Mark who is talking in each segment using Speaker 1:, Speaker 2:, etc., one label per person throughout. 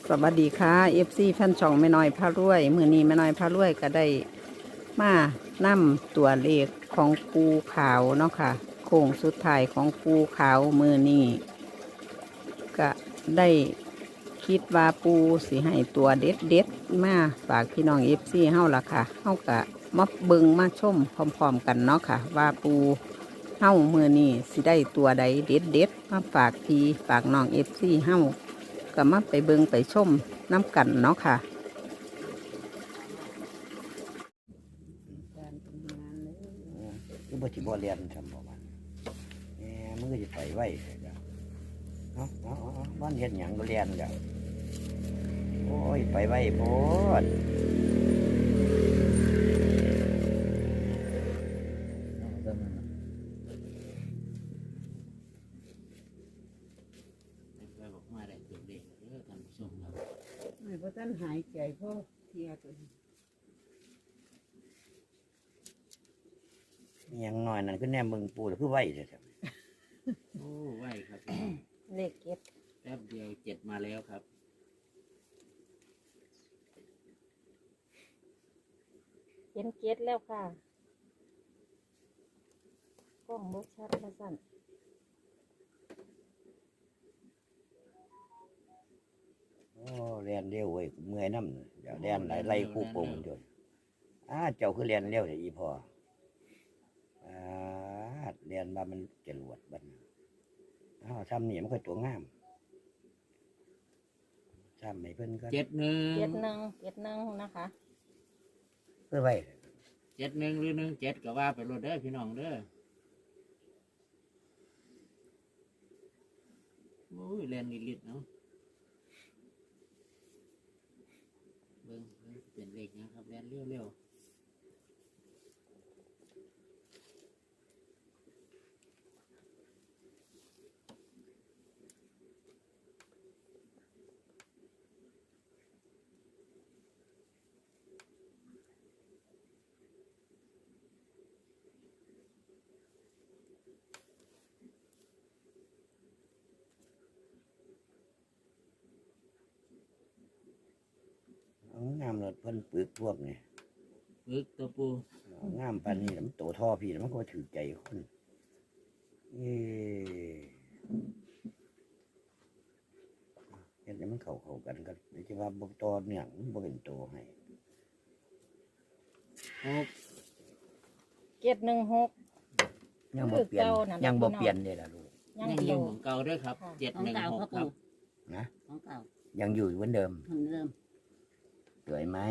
Speaker 1: สวัสดีค่ะ FC แฟนช่องแม่น้อยพารวยมื้อนี้แม่น้อยพารวยก็ได้มานำตัวเลขของปูขาวเนาะค่ะโค้งสุดท้ายของปูขาวมื้อนี้ก็ได้คิดว่าปูสิให้ตัวเด็ดมาฝากพี่น้อง FC เฮาล่ะค่ะเฮาก็มาเบิ่งมาชมพร้อมๆกันเนาะค่ะว่าปูเฮามื้อนี้สิได้ตัวใดเด็ดมาฝากพี่ฝากน้อง FC เฮาก็มาไปเบิงไปชมน้ำกันเนาะค่ะ
Speaker 2: คือบ่สิบ่เรียนทำบ่มันแหมมึงก็สิไปไว้จ้ะเอาบ้านเฮ็ดหยังบ่เรียนจ้ะโอ้ยไปไว้โพด
Speaker 1: ไม่เพราะท่านหายใจเพราะเทียตัวนี้
Speaker 2: มีหยังน้อยนั่นคือแนมเบิ่งปูแล้วคือไว้เด้อจ้ะ
Speaker 3: โอ้ไหวครับ
Speaker 1: เลขเก็บ
Speaker 3: แป๊บเดียว7มาแล้วครับ
Speaker 4: เห็นเก็ดแล้วค่ะกล้องบกชัดมาสั่น
Speaker 2: โอ้เรียนเร็วเว้ยเมื่อยนำเดี๋ยวเรียนหลายไล่คู่โป่งจนเจ้าคือเรียนเร็วเด้ออีพ่อเรียนว่ามันจรวดบัดนี้ทำนี่มันก็ตัวงามทำให้เพิ่นก็
Speaker 3: 71
Speaker 4: เก็ดหนึ่งนะคะ
Speaker 2: เพื่อไว้
Speaker 3: 71หรือ17ก็ว่าไปรถเด้อพี่น้องเด้อโอ้ยแล่นลิดๆเนาะเบิ่งเป็นเลขนะครับแล่นเร็ว
Speaker 2: งามเลยเพิ่นปึกพวกนี่
Speaker 3: ๆปึ๊กตัวปู
Speaker 2: งามปานนี้มันโตท่อพี่มันก็ถือใจคนเห็นมันเข้ากันก็จะว่าบ่ต่อเนื่องมันบ่เป็นโตให้
Speaker 3: 6
Speaker 4: เก็ดหนึ่งหก
Speaker 2: ยังบ่เปลี่ยน
Speaker 4: คือเก่านั่น
Speaker 2: ยังบ่
Speaker 4: พี่น้อง
Speaker 2: เปลี่ยนเลยล่ะลูก
Speaker 4: ยัง
Speaker 3: ยัง
Speaker 4: อ
Speaker 3: อยู่
Speaker 4: ยู่
Speaker 3: ของเก่าด้วยครับ
Speaker 4: ค่ะ
Speaker 3: 716ครับ
Speaker 2: นะ
Speaker 5: ของเก่า
Speaker 2: ยังอยู่เหมือนเดิม
Speaker 5: เหมือนเดิม
Speaker 2: สวยไหม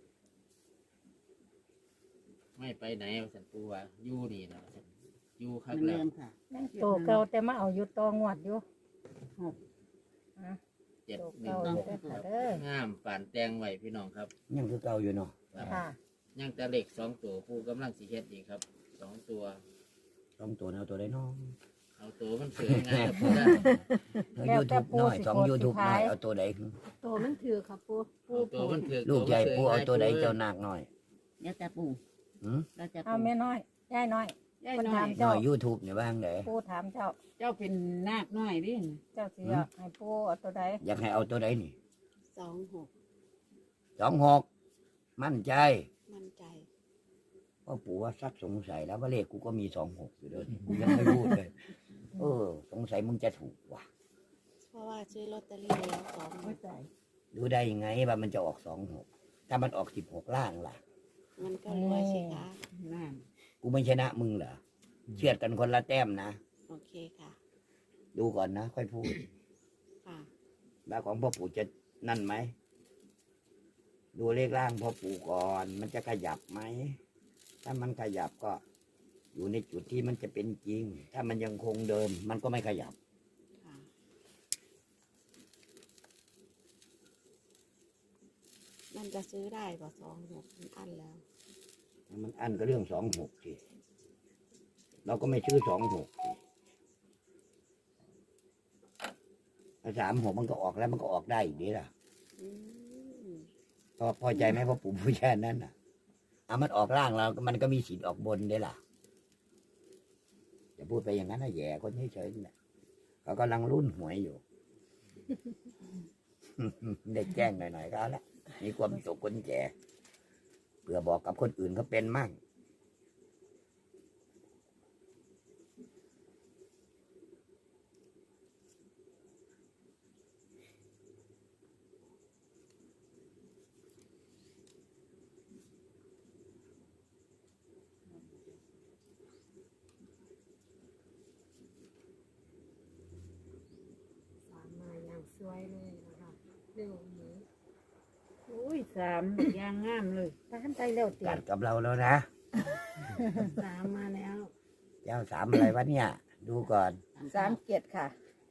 Speaker 3: ไม่ไปไหนสันปูว่าอยู่นี่นะอยู่
Speaker 5: เห
Speaker 3: คั
Speaker 5: มื
Speaker 3: ก
Speaker 5: อน
Speaker 3: แล้
Speaker 5: เดิ
Speaker 3: ว
Speaker 5: มค่ะ
Speaker 4: ยังโตเก่าแต่มาเอาอยู่ตองวดอยู่
Speaker 5: หก
Speaker 4: อ่ะ
Speaker 3: 716
Speaker 4: โตเก่าเด้อค่ะเด้อง
Speaker 3: ามป่านแตงไว้พี่น้องครับ
Speaker 2: ยังคือเก่าอยู่เนาะ
Speaker 4: ค่ะ
Speaker 3: ยังแต่เหล็ก2ตัวปูกำลังสิเฮ็ดอีกครับ2ตัว
Speaker 2: ต้องตัวเอาตัวได้น้อง
Speaker 3: เอาตัวมันเสือง่ายครับปูได้
Speaker 2: ยูทูบน้อย2 YouTube น้อยเอาตัวใด
Speaker 5: โตมันถือครับปู
Speaker 3: เอาตัวมันถือ
Speaker 2: ลูกใหญ่ปูเอาตัวใดเจ้านาคน้อย
Speaker 5: เดี๋ยวจะปู
Speaker 2: หืม
Speaker 5: เราจะ
Speaker 4: เอา
Speaker 5: ปู
Speaker 4: แม่น้อยย่ายน้อย
Speaker 5: ได้
Speaker 4: คน
Speaker 5: หน่อ
Speaker 4: ถาย ม
Speaker 2: น้
Speaker 4: เจ้า
Speaker 2: อย YouTube นี่ว่างได
Speaker 4: ปูถามเจ้า
Speaker 5: เจ้าเป็นนาคน้อยดิ
Speaker 4: เจ้าสิเอาให้ปูเอาตัวใด
Speaker 2: อยากให้เอาตัวใดนี่
Speaker 5: 26
Speaker 2: 26มั่นใจ
Speaker 5: มั่นใจ
Speaker 2: พ่อปู่ว่าซักสงสัยแล้วว่าเลขกูก็มี26อยู่เด้อนี่กูยังไม่พูดเลย สงสัยมึงจะถูกว่ะ
Speaker 6: เพราะว่าซื้อลอตเตอรี่แล้วสอง
Speaker 5: ไม่ใจ
Speaker 2: ดูได้ยังไงว่ามันจะออก26ถ้ามันออก16ล่างล่ะ
Speaker 6: มันก็รวยสิคะ
Speaker 5: นั่น
Speaker 2: กูไม่ชนะมึงเหรอเชือดกันคนละแต้มนะ
Speaker 6: โอเคค่ะ
Speaker 2: ดูก่อนนะ ค่อยพูด
Speaker 6: ค่ะ
Speaker 2: ว่าของพ่อปู่จะนั่นไหมดูเลขล่างพ่อปู่ก่อน มันจะขยับไหมถ้ามันขยับก็ อยู่ในจุดที่มันจะเป็นจริง ถ้ามันยังคงเดิม มันก็ไม่ขยับ
Speaker 6: ค่ะ มันจะซื้อได้ป่ะ26มันอันแล้ว
Speaker 2: มันอันก็เรื่อง26สิเราก็ไม่ชื่อ26สิ36มันก็ออกแล้วมันก็ออกได้อีกดีล่ะ
Speaker 6: อืม
Speaker 2: พอใจไหมพ่อปู่ผู้แช่นั้นน่ะมันออกล่างเรามันก็มีสิทธิ์ออกบนได้ล่ะอย่าพูดไปอย่างนั้นนะแย่คนเฉยๆนี่แหละเขากำลังรุ่นหวยอยู่ได้แจ้งหน่อยๆก็แล้วมีความสุขคนแก่เพื่อบอกกับคนอื่นเขาเป็นมั่ง
Speaker 6: สามมาอย่างสวยเลยนะคะเร็วนี้
Speaker 5: อุ้ยสามยางงามเลย
Speaker 4: ตามใจเร็วเตีย
Speaker 2: กัดกับเราแล้วนะ
Speaker 6: สามมาแล้ว
Speaker 2: เจ้าสามอะไรวะเนี่ย ดูก่อน
Speaker 4: 37ค่ะ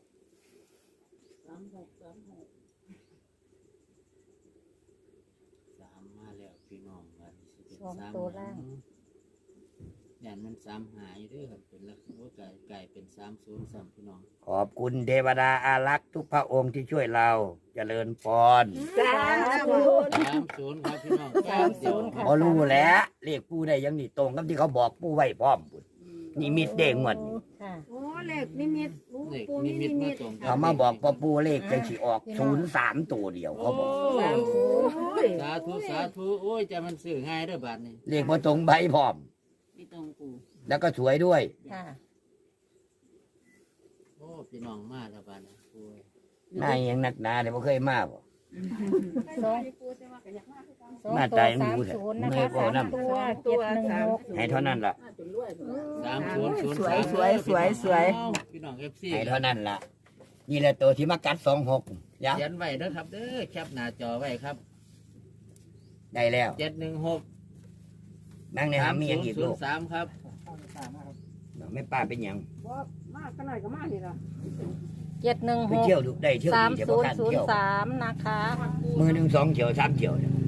Speaker 3: สามมาแล้วพี่น้องวันนี้สิเป็น
Speaker 4: สอง
Speaker 3: สาม
Speaker 4: ตัวล่าง
Speaker 3: อย่างมันสามหายเด้วยครับเป็นลักษณะว่ากลายเป็น30 3พี่น้อง
Speaker 2: ขอบคุณเทวดาอารักษ์ทุกพระองค์ที่ช่วยเราเจริญพร
Speaker 4: สาธุ
Speaker 3: 30ครับพี่น้อง
Speaker 4: 30ค่ะ
Speaker 2: พอรู้แล้วเรียกปู่ได้ยังนี่ตรงกับที่เขาบอกปู่ไว้พร้อมบุญนี่มิดเด้งหมดนี่
Speaker 4: ค่ะ
Speaker 6: โอ้เลขนิมิตโอ้
Speaker 3: เลข
Speaker 6: ปู
Speaker 3: นิมิตมาตรง
Speaker 2: เขามาบอกว่าปู่เลขจะสิออก03ตัวเดียวเขาบอก
Speaker 3: สาธุสาธุโอ้ยจะมันสื่อง่ายเด้อบาทนี่
Speaker 2: เลขพอตรงใบพร้อม
Speaker 5: ไม่ต้องปู
Speaker 2: แล้วก็สวยด้วย
Speaker 4: ค่ะ
Speaker 3: โอ้พี่น้องมาแล้วบาทนี่โอ้ย
Speaker 2: หน้ายังนักหนาเดี๋ยวบ่เคยมาบ่
Speaker 4: สอง
Speaker 2: หน้า
Speaker 4: ตัว
Speaker 2: ตายมันดูเถอะ
Speaker 4: 30นะคะ
Speaker 2: เมื่อยพอ
Speaker 4: สาม
Speaker 2: นำ
Speaker 4: ตัว716
Speaker 2: ให้เท่านั้นล่ะ
Speaker 3: 3003
Speaker 1: สวยสวยสวยสวย
Speaker 3: พี่น้อง FC
Speaker 2: ให้เท่านั้นล่ะ นี่แหละตัวที่มากัด26ยะ
Speaker 3: เขียนไว้เด้อครับเด้อแคปหน้าจอไว้ครับ
Speaker 2: ได้แล้ว
Speaker 3: 716
Speaker 2: นั่งในหามีอย่างอีกลูก
Speaker 3: 3003ครับ
Speaker 2: ไม่ป้าเป็นหยัง
Speaker 4: 716
Speaker 2: ไปเที่ยวดูได้เที่ยวดีเดี๋ยวบ่คันเที่ยว
Speaker 4: 3003นะคะ
Speaker 2: มือหนึ่งสองเที่ยวสามเที่ยวเนี่ย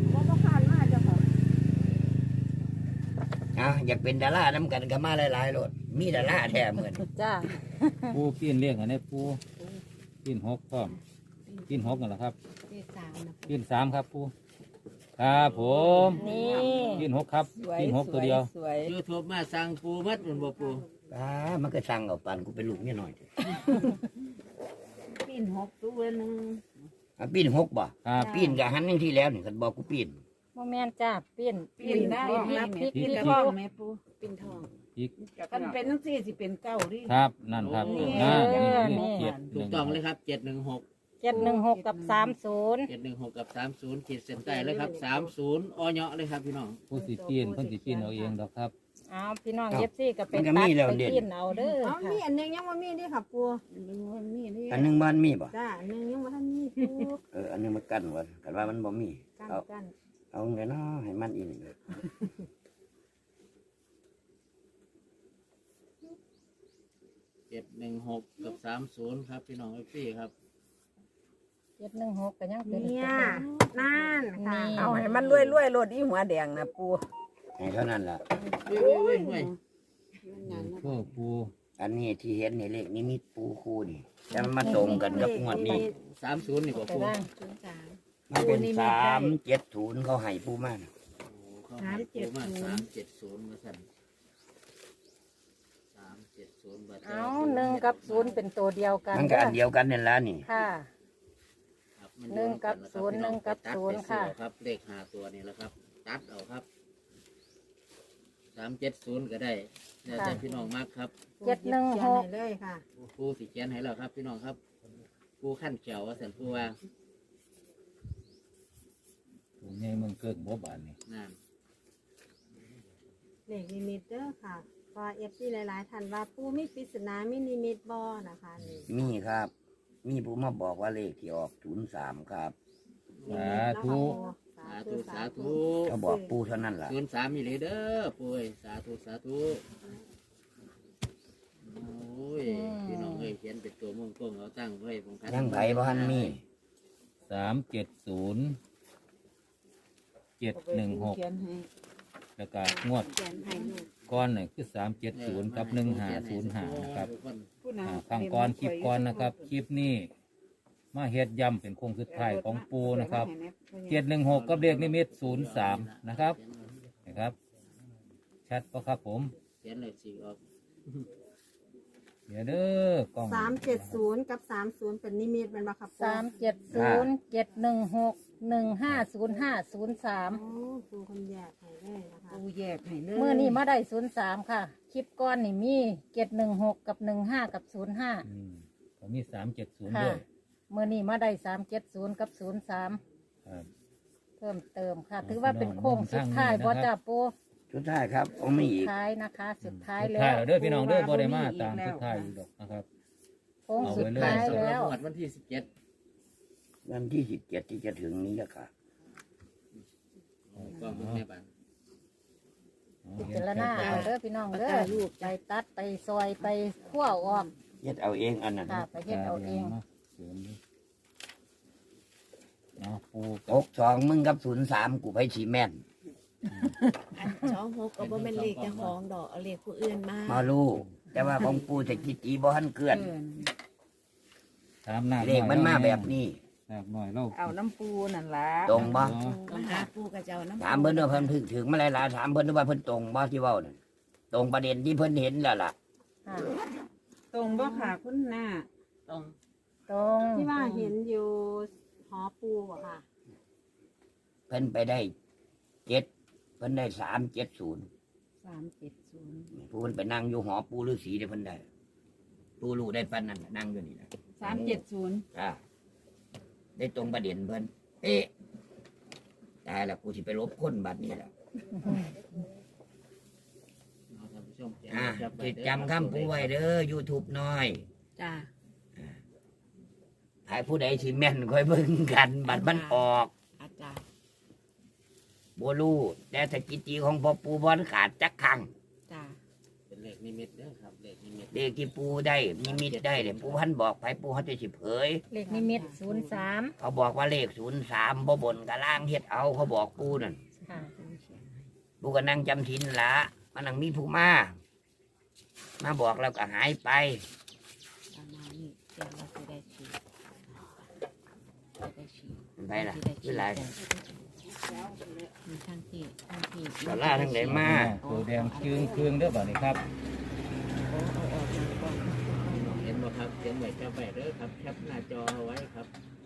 Speaker 2: อยากเป็นดาราน้ำกันก็มาหลายๆรถมีดาราแท้เหมือน
Speaker 4: จ้า
Speaker 7: ปูปีนเลี้ยงอันนี้ปูปีน6พร้อมปีน6นั่นแหละครับ
Speaker 6: เลขสามนะ
Speaker 7: ปีน3ครับปูครับผม
Speaker 4: นี่
Speaker 7: ปีน6ครับ
Speaker 1: สวย
Speaker 7: ปีน6ตัวเดียว
Speaker 1: สวย
Speaker 3: YouTube มาสั่งปูมัดมันบ่ปู
Speaker 2: มันก็สั่งเอาปันกูเป็นลูกนี่หน่อยเถอะ
Speaker 5: ปีน6ตัวหนึง
Speaker 2: ปีนหกบ่
Speaker 7: ครับ
Speaker 2: ปีนกับหันอย่างที่แล้วนี่กันบอกกูปีน
Speaker 4: โมแมนจ้าเปลี่ยน
Speaker 5: ปีนได้
Speaker 4: รับพริก
Speaker 5: ปีน
Speaker 4: พริก
Speaker 5: ท้องแม่ปู
Speaker 6: ปิ่นทอง
Speaker 7: อีก
Speaker 5: กันเป็นจังซี่สิเป็นเก้าดิ
Speaker 7: ครับนั่นครับ
Speaker 3: โอ้
Speaker 7: นั่น
Speaker 4: นี่
Speaker 7: นี่เจ็ด
Speaker 3: ถูกต้องเลยครับ716
Speaker 4: 716กับ30
Speaker 3: 716กับ30ขีดเส้นใต้เลยครับ30อ้อเนาะเลยครับพี่น้อง
Speaker 7: ผู้สิปีนเพิ่นสิปีนเอาเองดอกครับ
Speaker 4: เอาพี่น้องเอฟซีก็ไปตัดไปกินเอาเด้อ
Speaker 6: อ๋อ
Speaker 4: ค่ะ
Speaker 6: มีอันหนึงยังว่ามีด้วยค่ะปู
Speaker 5: มันมีนี่
Speaker 2: อันหนึงมันมีบ่
Speaker 6: จ้าอันหนึงยังว่าท่านมีปู
Speaker 2: อันหนึงมันกั้นไว้กันว่ามันบ่มี
Speaker 6: กัน
Speaker 2: เอา
Speaker 6: กัน
Speaker 2: เอาไงเนาะให้มันอีกหนึ่ง
Speaker 3: 716กับ30ครับพี่น้อง FC ครับ
Speaker 4: 716ก็ยังเป็น
Speaker 6: เนี่ยนั่นค่ะ
Speaker 1: เอาให้มันรวยๆรถอีหัวแดงนะปู
Speaker 2: ให้เท่านั้นล่ะ
Speaker 3: เว้ย
Speaker 6: มันนั้นนะ
Speaker 7: เพื่อปู
Speaker 2: อันนี้ที่เห็นในเลขนิมิตปูคูนี่แต่มันมาตรงกันกับงวดนี้
Speaker 3: 30นี่บ่
Speaker 4: ไป
Speaker 3: ปู
Speaker 4: ได้
Speaker 6: 03
Speaker 2: มันเป็น370เขาให้ปูมาน่ะ
Speaker 3: โอ้เขาให้ปูมา370มาสั่น370บาท
Speaker 4: เอา1กับ0เป็นตัวเดียวกัน
Speaker 2: มันก็อันเดียวกันนี่แหละนี่
Speaker 4: ค่ะ
Speaker 3: ครับมั
Speaker 4: หนึ่งกับ
Speaker 3: อยู่ด้วย
Speaker 4: ศูนย์หนึ่งกับ
Speaker 3: ตัด
Speaker 4: ศูนย์
Speaker 3: ไป
Speaker 4: ค่ะ
Speaker 3: เอาครับเลข5ตัวนี่แหละครับ ตัดเอาครับ370ก็ได้แล้วแต่พี่น้องมากครับ
Speaker 6: เขียนให้เลยค่ะ
Speaker 3: ปูสิเขียนให้แล้วครับพี่น้องครับปูขั้นเขียวว่าสันปูว่า
Speaker 7: ปูใหญ่เมืองเกิดบ่บานนี่
Speaker 3: นั่น
Speaker 6: เลขนิมิตเด้อค่ะเพอเอฟซีหลายๆท่านว่าปูมีปริศนามีนิมิตบ่นะคะนี่
Speaker 2: มีครับ มีผู้มาบอกว่าเลขที่ออก03ครับ
Speaker 7: สาธุ
Speaker 3: สาธุสาธุ
Speaker 2: เขาบอกปูเท่านั้นล่ะ
Speaker 3: 03มีเลยเด้อปูเอ้ยสาธุสาธุโอ้ยพี่น้องเอ้ยเขียนเป็นตัวม่วงกลมเอาตั้งไว้ผมคัด
Speaker 2: ยังไผบ่ทันมี
Speaker 7: 370 716
Speaker 5: เขียนให้
Speaker 7: แล้วก็งวด
Speaker 6: เขียนให้ลูก
Speaker 7: ก้อนนี่คือ370กับ1505นะครับ
Speaker 5: ผู้นำ
Speaker 7: ฟังก่อนคลิปก่อนนะครับ คลิปนี้มาเฮ็ดย่ำเป็นโค้งสุดท้ายของปูนะครับ716กับเลขนิมิต03นะครับนะครับชัดปะครับผม
Speaker 3: เขียนเลยสีออก
Speaker 7: เดี๋ยวเด้อกล้อง
Speaker 6: 370กับ30เป็นนิมิตเป็นบ่ครับปู
Speaker 4: 370-716-150-503
Speaker 6: โอ้ปูคนแยกให้เลยนะคะ
Speaker 5: ปูแยกให้เลย
Speaker 4: เมื่อนี้มาได้03ค่ะ คลิปก้อนนี่มี716กับ15กับ05
Speaker 7: ก็มี370
Speaker 4: ค่ะ
Speaker 7: ด้วย
Speaker 4: เมื่อนี้มาได้370กับ03
Speaker 7: ครับ
Speaker 4: เพิ่มเติมค่ะ ถือว่าเป็นโค้งสุดท้ายบ่จ้าปู
Speaker 2: สุดท้ายครับเอาไม่อีก
Speaker 4: ท้ายนะคะ สุดท้าย
Speaker 7: สุด
Speaker 4: แล้
Speaker 7: ท้ายว แล้วเด้อพี่น้องเด้อบ่ได้มาตามสุดท้ายอีกดอกนะครับ
Speaker 4: โค้ง
Speaker 7: เอา
Speaker 4: สุ
Speaker 7: ไว้
Speaker 4: ด
Speaker 7: เลย
Speaker 4: ท้าย
Speaker 3: สำหรับ
Speaker 4: แล้ว
Speaker 3: งวดวันที่17
Speaker 2: วันที่17ที่จะถึงนี้แหละค่ะ
Speaker 3: ก็มึงในบ้าน
Speaker 4: พิจารณาเอาเด้อพี่น้องเด้อไปตัดไปซอยไปคั่วออก
Speaker 2: เฮ็ดเอาเองอันนั้น
Speaker 4: ค่ะ ไปเฮ็ดเอาเอง
Speaker 7: เอาปู
Speaker 2: 62มึงกับ03กูไปฉีแม่น
Speaker 5: อัน26ก็บ่แม่นเลขเจ้าของดอกเอาเลขผู้อื่นมา
Speaker 2: มาลูกแต่ว่าของปูจะกิจีบ่ทันเกลื่อน
Speaker 7: ถามหน้า
Speaker 2: เลขมันมาแบบนี้
Speaker 7: หนักหน่อยเรา
Speaker 5: เอาน้ำปูนั่นล่ะ
Speaker 2: ตรงบ่
Speaker 5: มาหาปูกับเจ้าน้ำ
Speaker 2: ถามเพิ่นว่าเพิ่นถึงมาหลายๆถามเพิ่นว่าเพิ่นตรงบ่ที่เว้านั่นตรงประเด็นที่เพิ่นเห็นแล้วล่ะ
Speaker 4: ค่ะ
Speaker 5: ตรงบ่ค่ะคุณหน้าตรง
Speaker 4: ตรง
Speaker 6: ที่ว่าเห็นอยู่หอปูบ่ค่ะ
Speaker 2: เพิ่นไปได้7เพิ่นได้370
Speaker 5: 370
Speaker 2: ผู้เพิ่นไปนั่งอยู่หอปูฤาษีเด้เพิ่นได้ปูรู้ได้ปานนั้นน่ะนั่งอยู่นี่นะ
Speaker 5: 370
Speaker 2: จ้าได้ตรงประเด็นเพิ่นเอ๊ะตายแล้วกูสิไปลบคนบัดนี้แล้ว
Speaker 3: เอาท่านผู้ชม
Speaker 2: สิจำคำปูไว้เด้อ YouTube น้อย
Speaker 5: จ้า
Speaker 2: ให้ผู้ใดสิแม่นค่อยเบิ่งกันบัดมันออก
Speaker 5: อาจารย์
Speaker 2: บ่รู้แต่สกิจีของพ่อปูบ่ขาดจักครั้ง
Speaker 5: จ้า
Speaker 3: เป็นเลขนิมิตเด้อครับเลขนิมิต
Speaker 2: เด็กที่ปูได้นิมิตได้เนี่ยปูพันบอกไปปูเขาจะสิเผย
Speaker 4: เลขนิมิต03
Speaker 2: เขาบอกว่าเลข03บ่บนกับล่างเฮ็ดเอาเขาบอกปูนั่น
Speaker 4: ค่ะ
Speaker 2: ปูก็นั่งจำศีลละมันนั่งมีผู้มาบอกแล้วก็หายไป
Speaker 5: ประมาณนี้เดี๋ยวเราจะได้ฉีดจะได้ฉีด
Speaker 2: มันไปล่ะคือไร
Speaker 5: มีทั้งที่
Speaker 2: ดอลลาร์ทั้งไหนมา
Speaker 7: ตัวแดงเครื่องเด้อบ่นี่ครับ
Speaker 5: โอ้เอาออกมาก่อน
Speaker 3: เห็นบ่ครับเขียนไว้แคปไว้เด้อครับแคปหน้าจอเอาไว้ครับ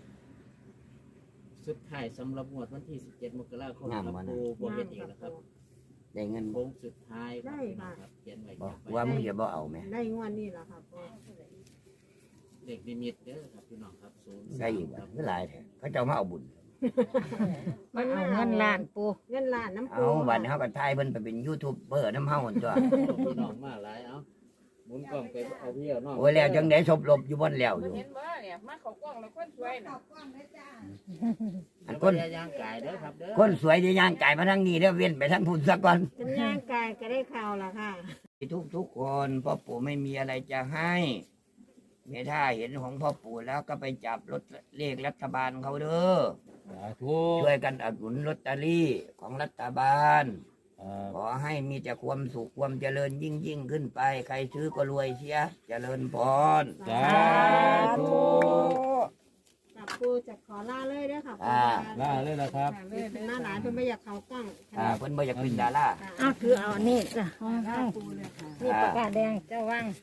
Speaker 3: สุดท้ายสำหรับงวดวันที่17 มกราคมครับปูบ่เฮ็ดอีกแล้วครับ
Speaker 2: ได้เงินบ่
Speaker 3: โค้งสุดท้ายครับเขียนไว้
Speaker 2: บ
Speaker 3: แค
Speaker 2: อก
Speaker 3: ปไว้
Speaker 2: ว่ามึงจะบ่เอาไหม
Speaker 6: ได้งวดนี้แล้วค่ะปู
Speaker 3: เลขนิมิตเด้อครับพี่น้องครับ0
Speaker 2: ได้อีกบ่คือหลายแท้เขาเจ้ามาเอาบุญ
Speaker 4: มาเอาเงินล้านปู
Speaker 6: เงินล้านน้ำ
Speaker 2: เอา
Speaker 6: ปู
Speaker 2: บัดนี้เฮาก็ทายเพิ่นไปเป็นยูทูบเบอร์น้ำเฮาหั่นตัว
Speaker 3: พี่น้องมาหลายเอาหมุนกล้องไปเอาพี่เอาน้อง
Speaker 2: โอ้ยแล้วจังได๋ศพลบอยู่บนแล้วอยู่
Speaker 5: เห็นบ่เนี่ยมาเขากล้องแล้วคนสวยน่ะ
Speaker 2: อัน
Speaker 3: ค
Speaker 2: คน น
Speaker 3: ย่างกายเด้อครับเด้อ
Speaker 2: คนสวยจะย่างกายมาทางนี้เด้อเว้นไปทางพุ่นซะก่อน
Speaker 6: จำย่างกายก็ได้ข่าวละค่ะ
Speaker 2: ทุกคนพ่อปู่ไม่มีอะไรจะให้เมื่อถ้าเห็นของพ่อปู่แล้วก็ไปจับลอตเลขรัฐบาลเขาเด้อ
Speaker 7: สาธุ
Speaker 2: ช่วยกันอุดหนุนลอตเตอรี่ของรัฐบาล
Speaker 7: ครับ
Speaker 2: ขอให้มีแต่ความสุขความเจริญยิ่งขึ้นไป ใครซื้อก็รวยเสียเจริญพร
Speaker 7: สาธุ
Speaker 6: กับปูจะขอล่าเลยเด้อค่ะปู
Speaker 7: ลาเลยนะครับ
Speaker 6: หน้าหลานเพิ่นไม่อยากเขากล้อง
Speaker 2: เพิ่นบ่อยากเป็นดารา
Speaker 4: อ้าวคือเอานี่จ้ะห้อง
Speaker 6: ล่าปูเลยค่ะ
Speaker 4: นี่ปากกาแดงเจ้าว่าง